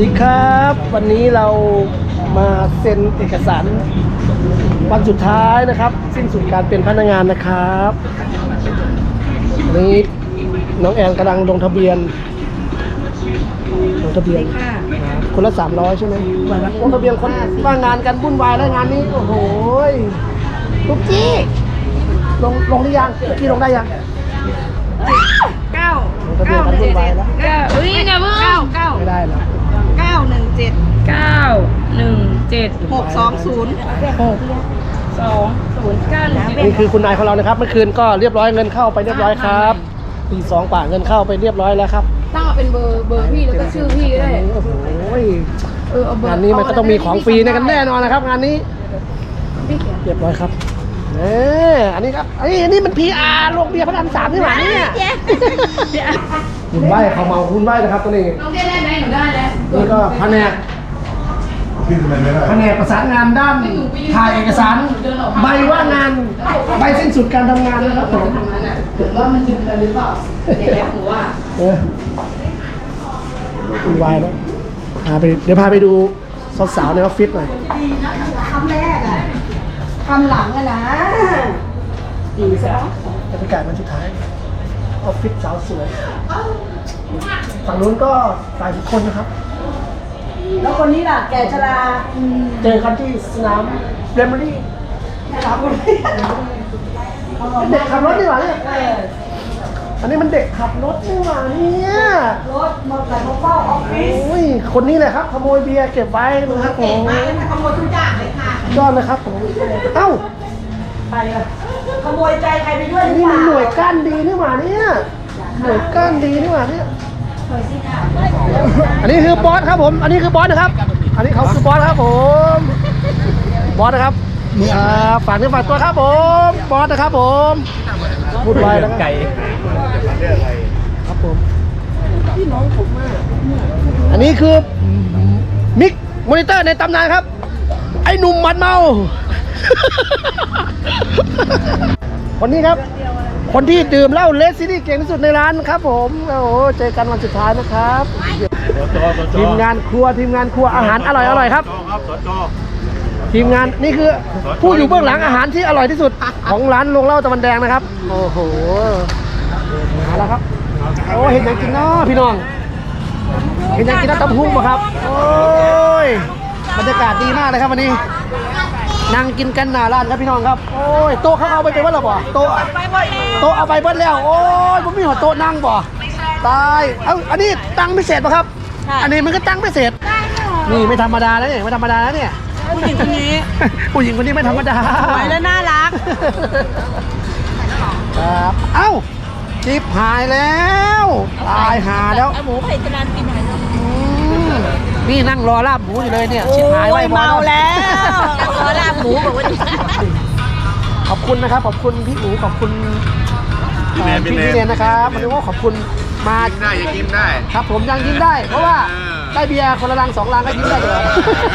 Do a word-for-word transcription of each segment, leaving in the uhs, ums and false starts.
ดีครับวันนี้เรามาเซ็นเอกสารวันสุดท้ายนะครับสิ้นสุดการเป็นพนักงานนะครับนี้น้องแอนกำลังลงทะเบียนลงทะเบียนคนละสามร้อยใช่ไหมลงทะเบียนคนว่างงานกันวุ่นวายแล้วงานนี้โอ้โหทุกจี้ลงลงหรือยังทุกจี้ลงได้ยังเก้าลงทะเบียนกันวุ่นวายแล้วเก้าเฮ้ยไงเพิ่งเก้าเก้าไม่ได้แล้วเก้าหนึ่งเจ็ดเก้าหนึ่งเจ็ดหกสองศูนย์หกสองศูนย์เก้าหนึ่งเจ็ดนี่คือคุณนายของเรานะครับเมื่อคืนก็เรียบร้อยเงินเข้าไปเรียบร้อยครับตีสองกว่าเงินเข้าไปเรียบร้อยแล้วครับตั้งเอาเป็นเบอร์เบอร์พี่แล้วก็ชื่อพี่ก็ได้โอ้โหเออเอาเบอร์งานนี้มันก็ต้องมีของฟรีในกันแน่นอนนะครับงานนี้เรียบร้อยครับเอออันนี้ครับอันนี้อันนี้มัน พี อาร์ โรงเบียร์พระรามสามนี่หว่าเนี่ยคุณใบเขาเมาคุณใบนะครับตัวนี้น้องได้ไหมหนูได้แล้วนี่ก็แผนกแผนกประสานงานด้านถ่ายเอกสารใบว่างงานใบสิ้นสุดการทำงานนะครับผมถือว่ามันยืนกันหรือเปล่าเดี๋ยวแล้วหนูว่าเออคุณใบแล้วพาไปเดี๋ยวพาไปดูสาวๆในออฟฟิศหน่อยคำแรกอะคำหลังอะนะดีสาวบรรยากาศวันสุดท้ายออฟฟิศสาวสวยฝั่งนู้นก็ฝ่ายบุคคลนะครับแล้วคนนี้ล่ะแกชราเจอกันที่สนามเรมเบอรี่ครับเด็กขับรถดีกว่าเนี่ยอันนี้มันเด็กขับรถดีกว่าเนี่ยรถมอเตอร์ไซค์เฝ้าออฟฟิศโอ้ยคนนี้แหละครับขโมยเบียร์เก็บไว้นะครับผมมาขโมยทุกอย่างเลยค่ะยอดเลยครับผมเอ้าไปเลยขโมยใจใครไปด้วยนี่มันหน่วยก้านดีนี่หว่าเนี่ยหน่วยก้านดีนี่หว่าเนี่ยอันนี้คือบอสครับผมอันนี้คือบอสนะครับอันนี้เขาคือบอสครับผมบอสนะครับฝากเนื้อฝากตัวครับผมบอสนะครับผมพูดไว้แล้วไก่ครับผมพี่น้องผมมากอันนี้คือมิกมอนิเตอร์ในตำนานครับไอ้หนุ่มมันเมาคนนี้ครับคนที่ดื่มเหล้าเลสซิตี้เก่งที่สุดในร้านครับผมโอ้โหเจอกันวันสุดท้ายนะครับทีมงานครัวทีมงานครัวอาหารอร่อยอร่อยครับทีมงานนี่คือผู้อยู่เบื้องหลังอาหารที่อร่อยที่สุดของร้านโรงเหล้าตะวันแดงนะครับโอ้โหมาแล้วครับโอ้เห็นอย่างกินเนาะพี่น้องเห็นอย่างกินน้ำตำหุ้งป่ะครับโอ้ยบรรยากาศดีมากเลยครับวันนี้นั่งกินกันหน้าร้านครับพี่น้องครับโอ้ยโต๊ะเขาเอาไปเป็นว่าหรอบ่โต๊ะโต๊ะเอาไปเบิ้ลแล้วโอ้ยผมมีหัวโต๊ะนั่งบ่ตายเอ้าอันนี้ตั้งพิเศษป่ะครับอันนี้มันก็ตั้งพิเศษนี่ไม่ธรรมดาแล้วเนี่ยไม่ธรรมดาแล้วเนี่ยผู้หญิงคนนี้ผู้หญิงคนนี้ไม่ธรรมดาสวยและน่ารักครับเอ้าจิบหายแล้วตายหาแล้วหมูไผ่ตนานกินหน่อยนี่นั่งรอลาบหมูอยู่เลยเนี่ยชิบหายไว้เมาแล้วรอลาบหมูบอกว่าขอบคุณนะครับขอบคุณพี่หมูขอบคุณพี่พี่เรียนนะครับมันเรียกว่าขอบคุณมาได้ยังยิ้มได้ครับผมยังยิ้มได้เพราะว่าได้เบียร์คนละลังสองลังก็ยิ้มได้เลย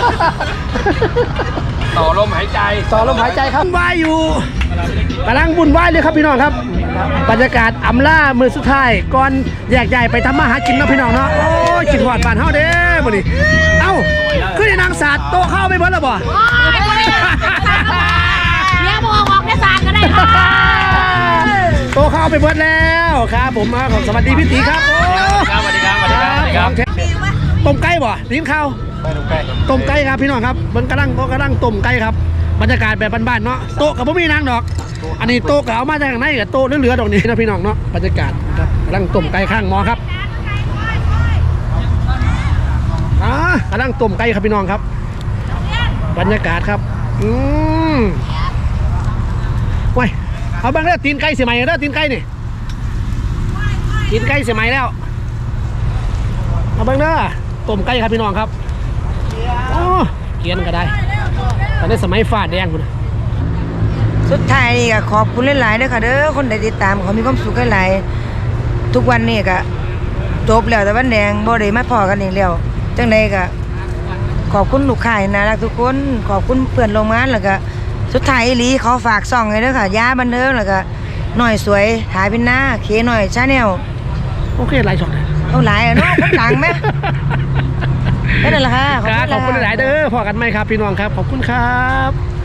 ต่อลมหายใจต่อลมหายใจครับวุ่นวายอยู่กำลังวุ่นวายเลยครับพี่น้องครับบรรยากาศอำลามือสุดท้ายก่อนแยกใหญ่ไปทำมาหากินนะพี่น้องเนาะโอ้ยกินหอดบ้านเฮาเด้บ่นี่เอ้าขึ้นในนางศาสตร์โตเข้าไม่เบิ้ลหรอบ่เนี่ยบอกออกในศาสตร์ก็ได้ค่ะโตเข้าไปเบิ้ลแล้วครับผมมาขอสวัสดีพี่ตีครับสวัสดีครับสวัสดีครับสวัสดีครับต้มไก่บ่ลิ้นข้าวต้มไก่ครับพี่น้องครับมันกำลังกำลังต้มไก่ครับบรรยากาศแบบบ้านๆเนาะโต๊ะกับพ่อมีนางดอกอันนี้โต๊ะกับเอามาจากไหนกับโต๊ะเหลือๆดอกนี้นะพี่น้องเนาะบรรยากาศครับกำลังต้มไก่ข้างหม้อครับอ่ากำลังต้มไก่ครับพี่น้องครับบรรยากาศครับอืมว้ยเอาบ้างเด้อตีนไก่เสียใหม่เด้อตีนไก่นี่ตีนไก่เสียใหม่แล้วเอาบ้างเด้อต้มไก่ครับพี่น้องครับโอ้เกียนก็ได้ตอนนี้สมัยฟ้าแดงคุณสุดท้ายนี่ก็ขอบคุณหลายๆด้วยค่ะเด้อคนใดติดตามเขามีความสุขหลายๆทุกวันนี่ก็จบแล้วแต่วันแดงบ่ได้มาพอกันอีกแล้วจังใดก็ขอบคุณลูกค้าน่ารักทุกคนขอบคุณเพื่อนโรงงานแล้วก็สุดท้ายอีหลีเขาฝากซ่องให้เด้อค่ะยาบันเทิงแล้วก็หน่อยสวยถ่ายเป็นหน้าเคหน่อยชาแนลโอเคหลายช็อตเลยเอาหลายอ่ะเนาะคนดังไหมเอเลยล่ะค่ะครับขอบคุณหลายๆเด้อพอกันไหมครับพี่น้องครับขอบคุณครับ